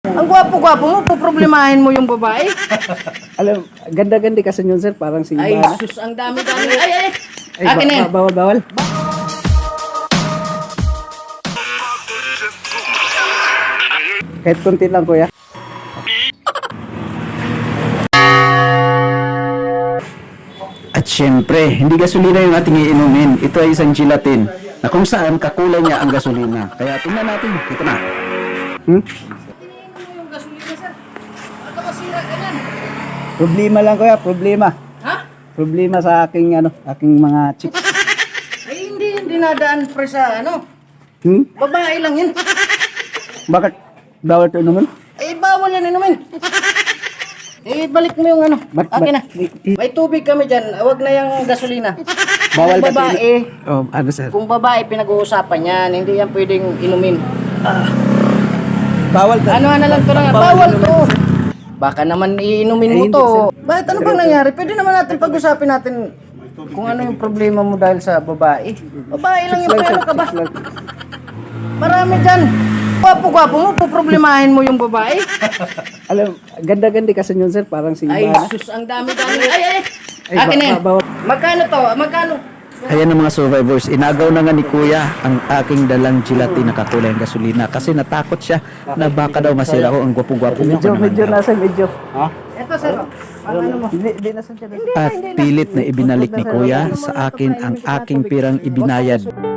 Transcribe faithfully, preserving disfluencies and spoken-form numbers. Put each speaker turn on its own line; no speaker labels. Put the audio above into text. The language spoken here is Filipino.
Ang gwapo-gwapo mo, poproblemahin mo yung babae.
Alam, ganda-ganda kasi yun, sir. Parang si
Ay,
Iba.
sus, ang dami-dami. Ay, ay, ay.
Ay,
Akin na yan.
ba- bawal, bawal. Kahit konti lang, kuya.
At syempre, hindi gasolina yung ating iinumin. Ito ay isang gelatin na kung saan kakulay niya ang gasolina. Kaya tingnan natin. Ito na.
Hmm?
Yung gasolina, sir. Ano kasira ka yan?
Problema lang, kuya. Problema.
Ha?
Problema sa aking, ano, aking mga chicks.
Ay, hindi yan dinadaan pre sa ano.
Hmm?
Babae lang yan.
Bakit? Bawal ito naman?
Eh, bawal yan inumin. Eh, balik mo yung ano.
Ba't-
Akin na.
ba't-
May tubig kami dyan. Huwag na yung gasolina.
Bawal
Kung
kasi-
babae,
Oh, ano, sir?
kung babae pinag-uusapan yan, hindi yan pwedeng inumin.
Bawal ka.
Ano na lang to na, bawal to. Baka naman iinumin mo
Eh, hindi,
to.
sir.
Bakit ano bang nangyari? Pwede naman natin pag-usapin natin kung ano yung problema mo dahil sa babae. Babae lang yung pero ka ba?
Chicks lang.
Marami dyan. Gwapo-gwapo mo, poproblemahin mo yung babae.
Alam, ganda-ganda kasi yun, sir. Parang si
Ay,
Iba.
sus, ang dami-dami. Ay, ay, ay.
Ay,
Akin na yan.
ba- bawal.
Magkano to? Magkano?
Ayan ang mga survivors. Inagaw na nga ni Kuya ang aking dalang gelatin na kakulay ang gasolina kasi natakot siya na baka daw masira ko ang gwapo-gwapo mo.
Medyo, medyo nasa, medyo. Ha?
Ito, sir. Ang ano mo?
Hindi, hindi nasa siya.
At pilit na ibinalik ni Kuya sa akin ang aking pirang ibinayad.